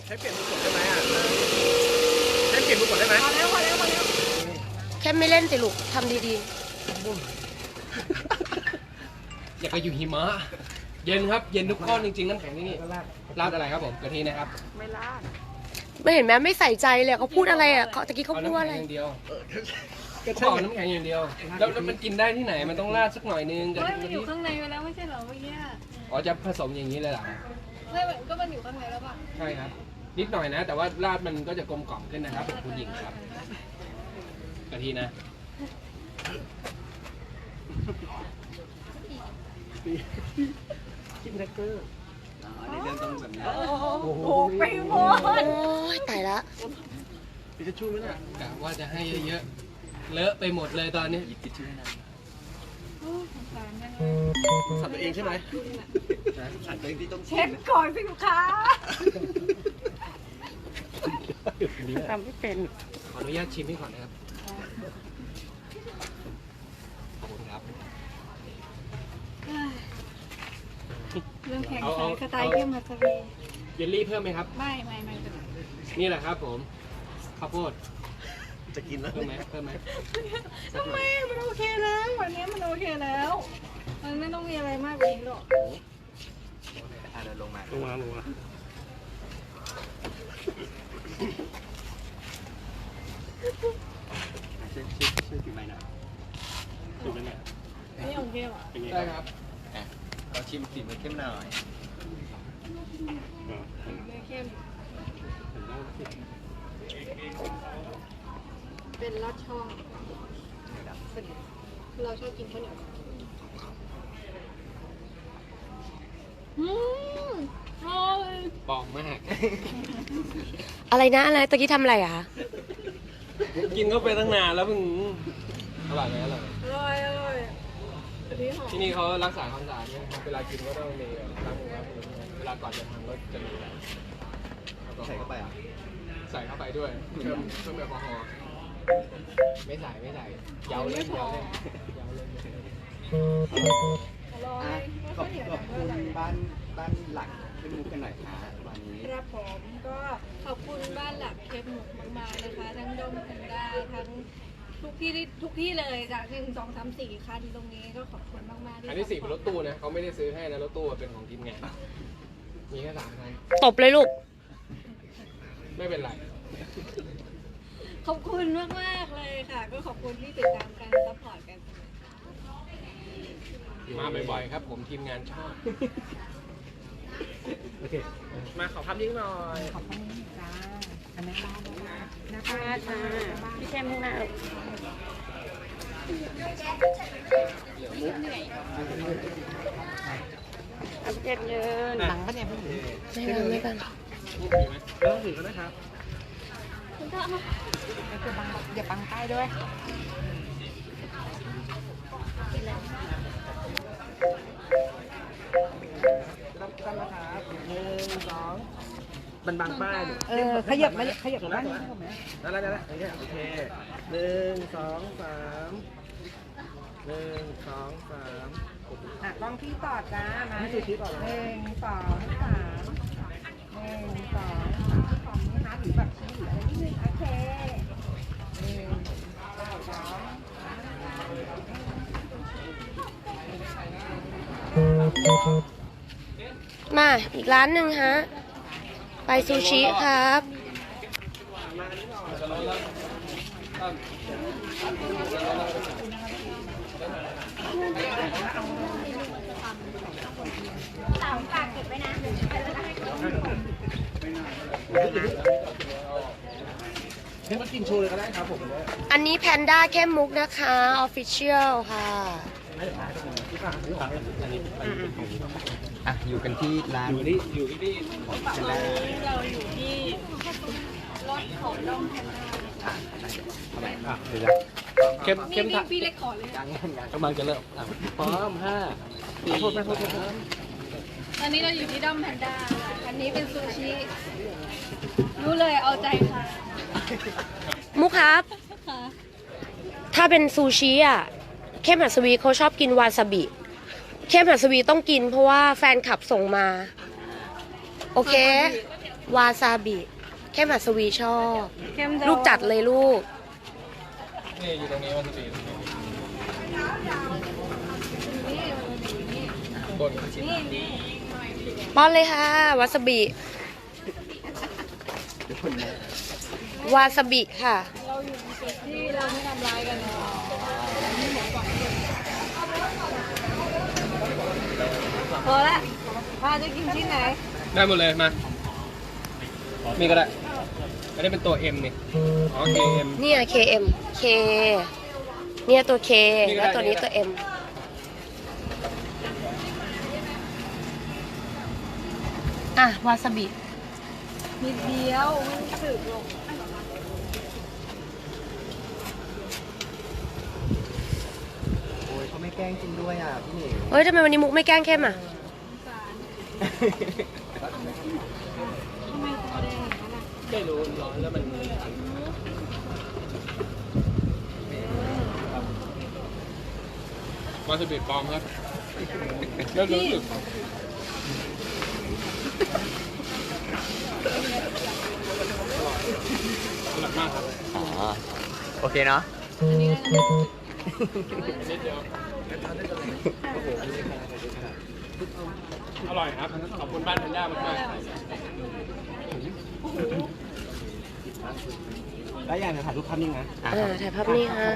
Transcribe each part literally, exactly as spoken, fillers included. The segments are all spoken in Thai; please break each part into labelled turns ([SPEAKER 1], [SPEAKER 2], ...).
[SPEAKER 1] ใช้เปลี่ยนมือกดได้ไหมอ่ะใช้เปลี่ยนมือกดได้ไหมพอแล้วพอแล้วพอแล้ว
[SPEAKER 2] แค่ไม่เล่นสิลูกทำดี
[SPEAKER 1] ๆอยากไปอยู่หิมะเย็นครับเย็นทุกก้อนจริงๆน้ำแข็งที่นี่ราดอะไรครับผมกะทินะครับ
[SPEAKER 2] ไม่ราดไม่เห็นไหมไม่ใส่ใจเลยเขาพูดอะไรอ่ะเขาตะกี้เขาพูดอะไร
[SPEAKER 1] อย่างเดียวเขาบอกน้ำแข็งอย่างเดียวแล้วมันกินได้ที่ไหนมันต้องราดสักหน่อยนึง
[SPEAKER 3] กะทิมันอยู่ข้างในไปแล้วไม่ใช่เหรอเมื่อกี้
[SPEAKER 1] อ๋อจะผสมอย่างนี้เลยเหรอ
[SPEAKER 3] ไม่ก็มันอยู่ข้างในแล้วป่ะ
[SPEAKER 1] ใช่ครับนิดหน่อยนะแต่ว่าราดมันก็จะกลมกล่อมขึ้นนะครับคุณหญิงครับกะทินะคิดแรกเกอร์อันนี้เรื่องต้องแบบนี้โอ้โห
[SPEAKER 3] ไปหมด
[SPEAKER 2] โอ้ยตายละ
[SPEAKER 1] พี่จะช่วยไหมเนี่ยกะว่าจะให้เยอะๆเลอะไปหมดเลยตอนนี้หยิบติดช่วยนะสับตัวเองใช่ไหมสับตัวเองที่ต้อง
[SPEAKER 3] เช็ดก่อนสิลูกค้า
[SPEAKER 2] ทำไม่เป็น
[SPEAKER 1] ขออนุญาตชิมให้ก่อนนะครับขอบคุณครับ
[SPEAKER 3] เรื่องแข่งใช้สไตล์เข้มฮัตเว์
[SPEAKER 1] เยลลี่เพิ่มไหมครับ
[SPEAKER 3] ไม่ไม่ไม่เป็นไร
[SPEAKER 1] นี่แหละครับผมข้าวโพดจะกินแล้วเพิ่มไหมเพิ่มไหม
[SPEAKER 3] ทำไมมันโอเคแล้ววันนี้มันโอเคแล้วมันไม่ต้องมีอะไรมากกว่านี้หรอก
[SPEAKER 1] อ่ะเดินลงมาลงมาลงมาชื่อชื่อชื่อถึงไหนนะถึงไหน
[SPEAKER 3] นี่โอเคเหรอ
[SPEAKER 1] ได้ครับอ่ะเราชิมสีมันเข้มหน่อย
[SPEAKER 3] ไม่เข้มเป็นลอดช่องเราชอบกินข้าวเหนียวอืมอร่อย
[SPEAKER 1] ปองมาก
[SPEAKER 2] อะไรนะอะไรตะกี้ทำอะไรอ่ะ
[SPEAKER 1] กินเข้าไปตั้งนานแล้วเพิ่งอร่อยไหมอร่อย
[SPEAKER 3] อร่อยอร่อย
[SPEAKER 1] ที่นี่เขารักษาความสะอาดเนี่ยเวลากินก็ต้องมีล้างมือล้างมือเวลาก่อนจะทำก็จะมีใส่เข้าไปอ่ะใส่เข้าไปด้วยเพิ่มเพิ่มแอลกอฮอล์ไม่ใส่ไม่ใส่เยาเล่นเยาเล่นเยาเล่น
[SPEAKER 3] ขอบขอบ
[SPEAKER 4] คุณบ้านบ้านหลักที่มุกกันหน่อยค่ะวันนี้
[SPEAKER 3] ครับผมก็ขอบคุณบ้านหลักเคปหมุกมากๆนะคะทั้งดมแพนด้าทั้งทุกที่ทุกที่เลยจากหนึ่งสองสามสี่คันตรงนี้ก็ขอบคุณมากๆที่
[SPEAKER 1] อันที่สี่เป็นรถตู้นะเขาไม่ได้ซื้อให้นะรถตู้เป็นของทีมงานมีแค่สามคัน
[SPEAKER 2] ตบเลยลูก
[SPEAKER 1] ไม่เป็นไร
[SPEAKER 3] ขอบคุณมากมากเลยค่ะก็ขอบคุณที่ติดตามกันซัพพอร์ตกัน
[SPEAKER 1] มาบ่อยๆครับผมทีมงานชอบโอเคมาขอภาพยิ่งหน่อย
[SPEAKER 3] ขอบคุณจ้าอันนี้บ้าน
[SPEAKER 2] นะคะจ้าพี่แช่มข้างหน้าอัพเดทเยิน
[SPEAKER 4] หลังปะเนี่ยพี่
[SPEAKER 2] ไม่บังไม่บัง
[SPEAKER 1] ไม่ต้องถือก็ได้ครับ
[SPEAKER 3] คุณก็
[SPEAKER 4] อย่าบังอย่าบังใต้ด้วย
[SPEAKER 1] รับกันนะครับหนึ่งสองมันบางป้าย
[SPEAKER 4] เออขยับมาขยับมา
[SPEAKER 1] ได้แล้วได้แล้วโอเคหนึ่งสองสามหนึ่งสองสาม
[SPEAKER 4] อ่ะกล้องพี่ต่อจ้ามา
[SPEAKER 1] นี่คือคลิปต่อ
[SPEAKER 4] หนึ่งสองสามหนึ่งสองสามของนี้ฮะหรือแบบชี้หรืออะไรนิดนึงโอเคหนึ่งสอง
[SPEAKER 2] มาอีกร้านหนึ่งฮะไปซูชิครับ
[SPEAKER 3] สาวฝากเก็บไว้นะ
[SPEAKER 1] เดี๋ยวมากินโชว์เลยก็ได้ครับผม
[SPEAKER 2] อันนี้แพนด้าเข้มมุกนะคะออฟฟิเชียลค่ะ
[SPEAKER 4] อ่ะอยู่กันที่ร้าน
[SPEAKER 1] อยู่ที่อยู่ที่นี่
[SPEAKER 3] เราอยู่ที่รถของดอมแพนด้า
[SPEAKER 1] อ่ะเดี๋ยวเข้มเข้มทัก
[SPEAKER 3] พี่เล็กขอเลย
[SPEAKER 1] ยังยังกำลังจะเริ่มพร้อมห้าสี่โทษนะโทษนะ
[SPEAKER 3] ตอนนี้เราอยู่ที่ดอมแพนด้าอันนี้เป็นซูชิรู้เลยเอาใจค่ะ
[SPEAKER 2] มุกครับถ้าเป็นซูชิอ่ะเข้มหัสวีเขาชอบกินวาซาบิเข้มหัสวีต้องกินเพราะว่าแฟนคลับส่งมาโอเควาซาบิเข้มหัสวีชอบ
[SPEAKER 3] เข้ม
[SPEAKER 2] ลูกจัดเลยลูก
[SPEAKER 1] นี่อยู่ตรงนี้วาซาบิบน
[SPEAKER 3] นี่นี่
[SPEAKER 2] ป้อนเลยค่ะ วาซาบิ วาซาบิค่ะ
[SPEAKER 3] เราอยู่ในจุดที่เราไม่ทำร้ายกันเนาะพอละพาจะกินชิ้นไหน
[SPEAKER 1] ได้หมดเลยมามีก็ได้อันนี้เป็นตัว M นี่อ๋อ เค เอ็ม
[SPEAKER 2] เนี่ย เค เอ็ม K เนี่ยตัว K
[SPEAKER 1] นี่ก็ได้
[SPEAKER 2] แล้วตัวนี้ตัว M อ่ะ วาซาบิ
[SPEAKER 3] นิดเดียวไม่สึกหรอก
[SPEAKER 5] โอ้ยเขาไม่แกล้งกินด้วยอ่ะพี่หนิง
[SPEAKER 2] เฮ้ยทำไมวันนี้มุกไม่แกล้งเข้มอ่ะ
[SPEAKER 3] ทำไมตัวแดงอย่างนั้นอ่ะ
[SPEAKER 1] ไม่รู้ร้อนแล้วมันวาซาบิปลอมครับแล้วรู้สึกอร่อยมากครับ
[SPEAKER 5] อ๋อ โอเคเนาะ
[SPEAKER 3] อันนี้ก็จะ
[SPEAKER 1] นิดเดียวอร่อยครับขอบคุณบ้านแพนด้ามากมาก
[SPEAKER 5] แล้วอย่างถ่ายรูปภาพนิ่งนะ
[SPEAKER 2] เออถ่ายภาพนี้ฮะ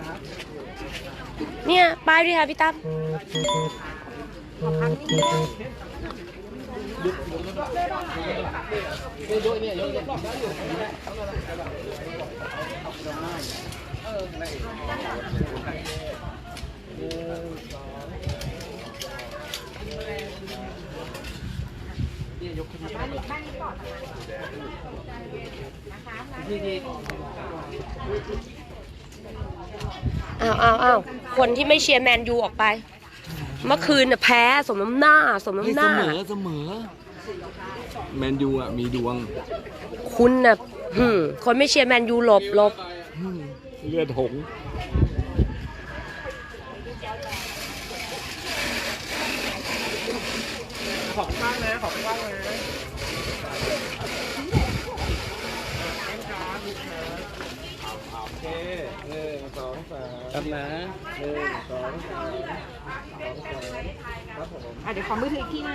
[SPEAKER 2] เนี่ยป้ายด้วยค่ะพี่ตั้ม อ้าวอ้าวอ้าวคนที่ไม่เชียร์แมนยูออกไป เมื่อคืนน่ะแพ้สมน้ำหน้า สมน้ำหน้า
[SPEAKER 5] เสมอแมนยูอ่ะมีดวง
[SPEAKER 2] คุณน่ะหืมคนไม่เชียร์แมนยูหลบหลบ
[SPEAKER 5] เลือดหง
[SPEAKER 1] ขอบคุณมากนะขอบคุณมากนะโอเคหนึ่งสองสาม
[SPEAKER 5] ครับนะ
[SPEAKER 1] หนึ่งสองสามสองสามครับผม
[SPEAKER 4] อ่ะเดี๋ยวขอมือถืออีกทีนะ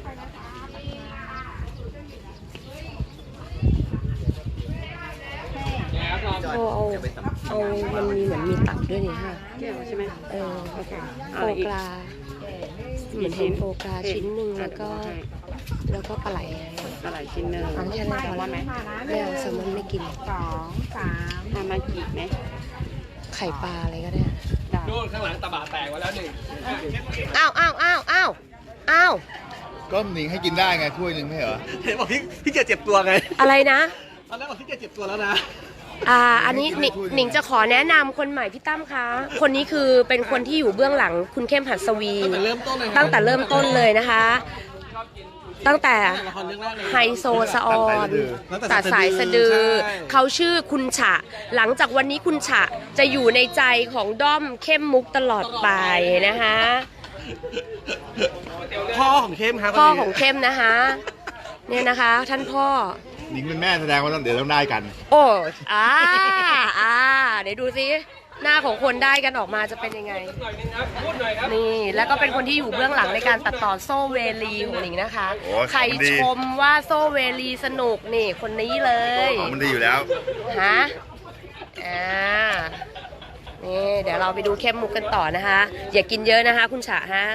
[SPEAKER 1] เนี่ยครับ
[SPEAKER 2] เอาเอาเอามันมีเหมือนมีตับด้วยนี่ค่ะ
[SPEAKER 4] เกี่ยวใช่ไหม
[SPEAKER 2] เออ
[SPEAKER 4] โอเค
[SPEAKER 2] โฟกราเหมือนเห็นโฟกราชิ้นหนึ่งแล้วก็ แล้วก็ปลาไหล
[SPEAKER 4] ปลาไหลชิ้นหนึ่ง
[SPEAKER 2] อันแค่นั้นพอ
[SPEAKER 4] ว่าไหม
[SPEAKER 2] ไม่เอาแซลมอนไม่กิน
[SPEAKER 4] สองสามทำมากี่ไหม
[SPEAKER 2] ไข่ปลาอะไรก็ได้
[SPEAKER 4] ได้
[SPEAKER 1] ดูข้างหลังตะบะแตกไว้แล้วหนึ่ง
[SPEAKER 2] อ้าวอ้าวอ้าวอ้าวอ้าว
[SPEAKER 6] ก็หนิงให้กินได้ไงถ้วยหนึ่งไม่เหรอ
[SPEAKER 5] เห็นบอกพี่พี่เกียรเจ็บตัวไง
[SPEAKER 2] อะไรนะ
[SPEAKER 5] ตอนแรกบอกพี่เกียรเจ็บตัวแล้วนะ
[SPEAKER 2] อ่า อันนี้หนิงหนิงจะขอแนะนำคนใหม่พี่ตั้มคะ คนนี้คือเป็นคนที่อยู่เบื้องหลังคุณเข้มหัสวี
[SPEAKER 5] ตั้งแต่เริ่มต้นเลย
[SPEAKER 2] ตั้งแต่เริ่มต้นเลยนะคะ ตั้งแต่
[SPEAKER 5] ละครเรื่องแรกเลย
[SPEAKER 2] ไฮโซสะออนตัดสายสะดือ เขาชื่อคุณฉะ หลังจากวันนี้คุณฉะจะอยู่ในใจของด้อมเข้มมุกตลอดไปนะคะ
[SPEAKER 5] พ่อของเข้มครับ
[SPEAKER 2] พ่อของเข้มนะคะ เนี่ยนะคะ ท่านพ่อ
[SPEAKER 6] หนิงเป็นแม่แสดงว่าต้องเดี๋ยวต้องได้กัน
[SPEAKER 2] โอ้อ่าอ่าเดี๋ยวดูซิหน้าของคนได้กันออกมาจะเป็นยังไง
[SPEAKER 1] หน่อยนึงครับพูดหน่อยครับ
[SPEAKER 2] นี่แล้วก็เป็นคนที่อยู่เบื้องหลังในการตัดต่อโซ่เวลีของหนิงนะคะ
[SPEAKER 6] โอ้ย
[SPEAKER 2] ใคร
[SPEAKER 6] ของดี
[SPEAKER 2] ชมว่าโซ่เวลีสนุกนี่คนนี้เลย
[SPEAKER 6] มันดีอยู่แล้ว
[SPEAKER 2] ฮะอ่านี่เดี๋ยวเราไปดูเข้มมุกกันต่อนะคะ อย่ากินเยอะนะคะ คุณฉะฮะ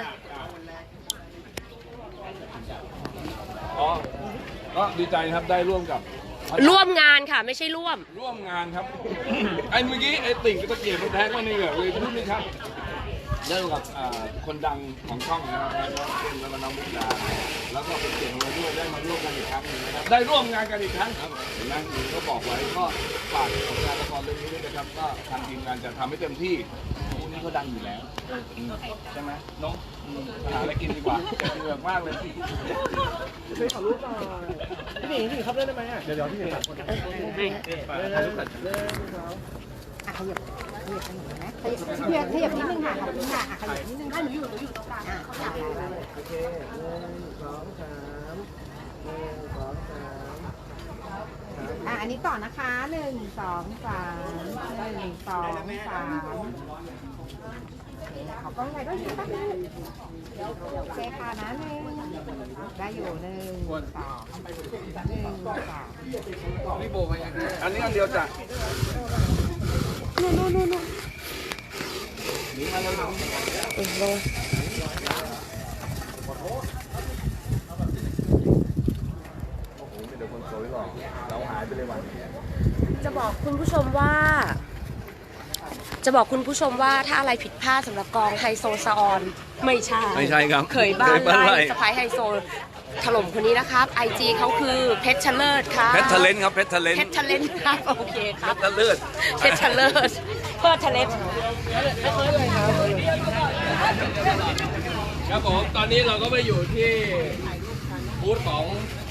[SPEAKER 7] อ๋อก็ดีใจครับได้ร่วมกับ
[SPEAKER 2] ร่วมงานค่ะไม่ใช่ร่วม
[SPEAKER 7] ร่วมงานครับ ไอ้เมื่อกี้ไอ้ติ่งก็ตะเกียบมันแทงมาในเหงือกเลยพูดนี่ครับได้ร่วมกับอ่าคนดังของช่องนะครับแล้วก็น้องมุกดาแล้วก็เป็นเกียรติมาด้วยได้มาร่วมกันอีกครั้งหนึงนะครับได้ร่วมงานกันอีกครั้งครับเห็นไหมหญิงก็บอกไว้ก็ฝากผลงานละครเรื่องนี้ด้วยนะครับก็ทางทีมงานจะทำให้เต็มที่พวกนี้เขาดังอยู่แล้วอืมใช่ไหมน้องอืมหาอะไรกินดีกว่าเหนื่อยมากเลย
[SPEAKER 5] พี่หนิงพี่หนิงครับเล่นได้ไหมอ่ะ เดี๋ยวเดี๋ยวพี่หนิง
[SPEAKER 4] อ่ะขยับขยับกันหน่อยนะขยับขยับขยับนิดนึงค่ะขอบคุณค่ะอ่ะขยับนิดนึงได้หนูอยู่หนูอยู่ตรงกลางอ่ะได้ได้ได้
[SPEAKER 5] โอเคหนึ่งสองสามหนึ่งสองสาม
[SPEAKER 4] อ่ะอันนี้ต่อนะคะหนึ่งสองสามหนึ่งสองสามขอกล้องไหนด้วยสิแป๊บนึงโอเคค่ะนะหนึ่งได้อยู่หนึ่งสองหนึ่งสอง
[SPEAKER 1] พี่โบไปยังไง
[SPEAKER 7] อันนี้อันเดียวจ้ะ
[SPEAKER 2] นู่นนู่นนู่นนู่น
[SPEAKER 7] หนีมาแล้ว
[SPEAKER 2] เออลง
[SPEAKER 7] โอ้โหมีแต่คนสวยหรอกเราหายไปเลยวัน
[SPEAKER 2] จะบอกคุณผู้ชมว่า จะบอกคุณผู้ชมว่าถ้าอะไรผิดพลาดสำหรับกองไฮโซซาออนไม่ใช่
[SPEAKER 7] ไม่ใช่ครับ
[SPEAKER 2] เขยบ้าน
[SPEAKER 7] เขยบ้านไร่
[SPEAKER 2] ไล่สไปไฮโซถล่มคนนี้นะครับไอจีเขาคือเพชรชเลิศครับ
[SPEAKER 7] เพชรทะเลนครับเพชรทะเลน
[SPEAKER 2] เพชรชเลิศครับโอเคครับ
[SPEAKER 7] เพชรเลือด
[SPEAKER 2] เพชรชเลิศเพื่อทะเลศ
[SPEAKER 1] ครับผมตอนนี้เราก็มาอยู่ที่บูธของ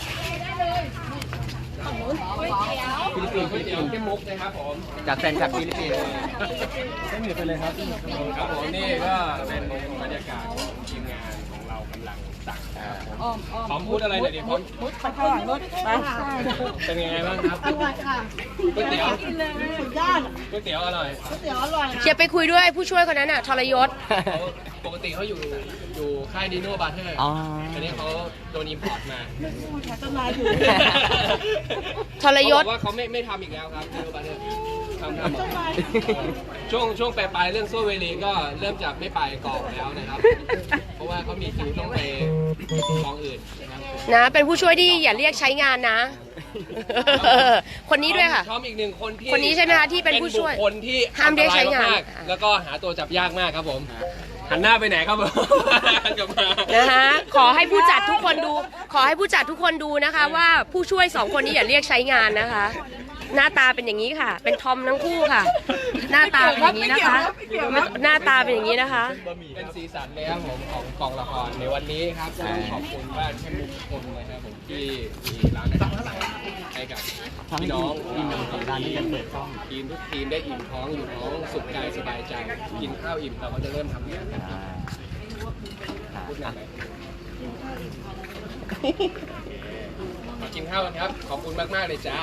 [SPEAKER 1] ฟิลิปปินส์ก๋วยเตี๋ยวเข้มมุกนะครับผมจากแฟนคลับฟิลิปปินส์ไม่เหมือนไปเลยครับครับผมนี่ก็เป็นบรรยากาศของทีมงานของเรากำลังตักครับผมพร้อมพูดอะไรหน่อยดิพร้อม
[SPEAKER 4] มุดไปก่อนมุดไป
[SPEAKER 1] เป็นยังไงบ้างครับอร่อยค่ะก๋วยเตี๋ยวสุดยอดก๋วยเตี๋ยวอร่อย
[SPEAKER 2] เชียร์ไปคุยด้วยผู้ช่วยคนนั้นอ่ะทรยศ
[SPEAKER 1] เขาปกติเขาอยู่อยู่ค่ายดีโน่บาร์เทอร์อ๋อตอนนี้เขาโดนอิมพอร์ตมาต้นไม้อยู่
[SPEAKER 2] ทรยศ
[SPEAKER 1] เขาบอกว่าเขาไม่ไม่ทำอีกแล้วครับดีโน่บาร์เทอร์ทำทำช่วงช่วงปลายๆเรื่องโซเวลีก็เริ่มจากไม่ไปกองแล้วนะครับ เพราะว่าเขามีคิวต้องไปกองอื่นนะครับ
[SPEAKER 2] นะเป็นผู้ช่วยที่อย่าเรียกใช้งานนะ คนนี้ด้วยค่ะ
[SPEAKER 1] พร้อมอีกหนึ่งคนที่
[SPEAKER 2] คนนี้ใช่ไหมคะที่เป็นผู้ช่วย
[SPEAKER 1] บุคคลที่
[SPEAKER 2] ห้ามเรียกใช้งาน
[SPEAKER 1] อัตรมกๆแล้วก็หาตัวจับยากมากครับผม หันหน้าไปไหนครับผมหันกลับมา
[SPEAKER 2] นะคะขอให้ผู้จัดทุกคนดู ขอให้ผู้จัดทุกคนดูนะคะ ว่าผู้ช่วยสองคนนี้อย่าเรียกใช้งานนะคะ หน้าตาเป็นอย่างนี้ค่ะ เป็นทอมทั้งคู่ค่ะ หน้าตาเป็นอย่างนี้นะคะ หน้าตาเป็นอย่างนี้นะคะ
[SPEAKER 1] เป็นสีสันเลยครับผมของกองละครในวันนี้ครับก็ต้องขอบคุณบ้านแค่ทุกคนนะครับผมที่มีร้านอาหารให้กับพี่น้องที่มีสัปดาห์นี้ยังเปิดช่องทีมทุกทีมได้อิ่มท้องอยู่ท้องสุขกายสบายใจ กินข้าวอิ่มเราก็จะเริ่มทำงานกันพูดหน่อยไหมขอกินข้าวกันครับขอบคุณมากๆเลยจ้า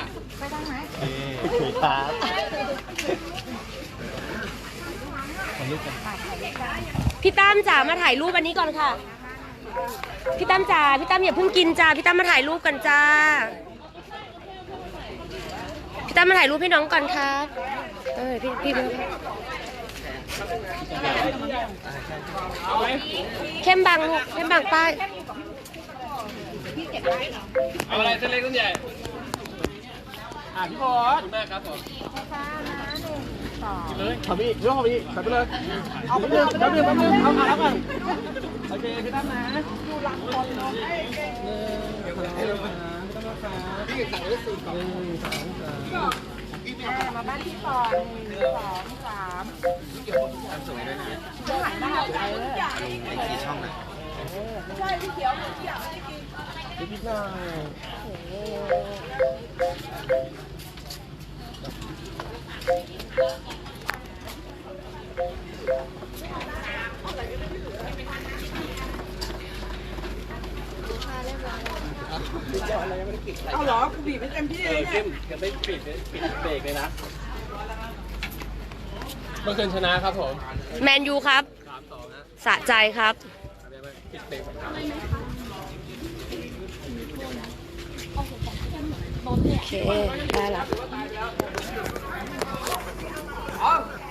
[SPEAKER 2] พี่ตั้มจ๋ามาถ่ายรูปอันนี้ก่อนค่ะ พี่ตั้มจ๋าพี่ตั้มอย่าเพิ่งกินจ้าพี่ตั้มมาถ่ายรูปกันจ้า พี่ตั้มมาถ่ายรูปให้น้องก่อนครับเออพี่พี่เข้มบังลูกเข้มบังป้าย
[SPEAKER 1] เอาอะไรเส้นเล็กเส้นใหญ่
[SPEAKER 5] อ่ะพี่บอ
[SPEAKER 1] ขอบ
[SPEAKER 5] ส
[SPEAKER 1] คุณมากครับผม
[SPEAKER 5] เลยขอพี่เรื่องขอพี่ใส่ไปเลยเอาไปเลยแป๊บนึงแป๊บนึงเอามาแล้วกันโอเคพี่ตั้มนะดูหลังคนเนาะเดี๋ยวให้เราพี่ตั้มนะคะพี่สั่งไว้สูตรก่อนหนึ่งสองสามมาบ้านที่สองหนึ่งสองสามทำสวยด้วยนะถ่ายได้ไอ้กี่ช่องนะใช่พี่เขียวพี่เขียวพี่พี่หน่อยเอาเหรอกูบีบไม่เต็มที่เลยเนี่ยจะไม่ปิดปิดเบรกเลยนะ
[SPEAKER 1] เมื่อคืนชนะครับผม
[SPEAKER 2] แมนยูครับ
[SPEAKER 1] สามสองนะ
[SPEAKER 2] สะใจครับ
[SPEAKER 1] ปิดเบรกสำคัญ
[SPEAKER 2] โอเค ได้ละ
[SPEAKER 1] อ๋อ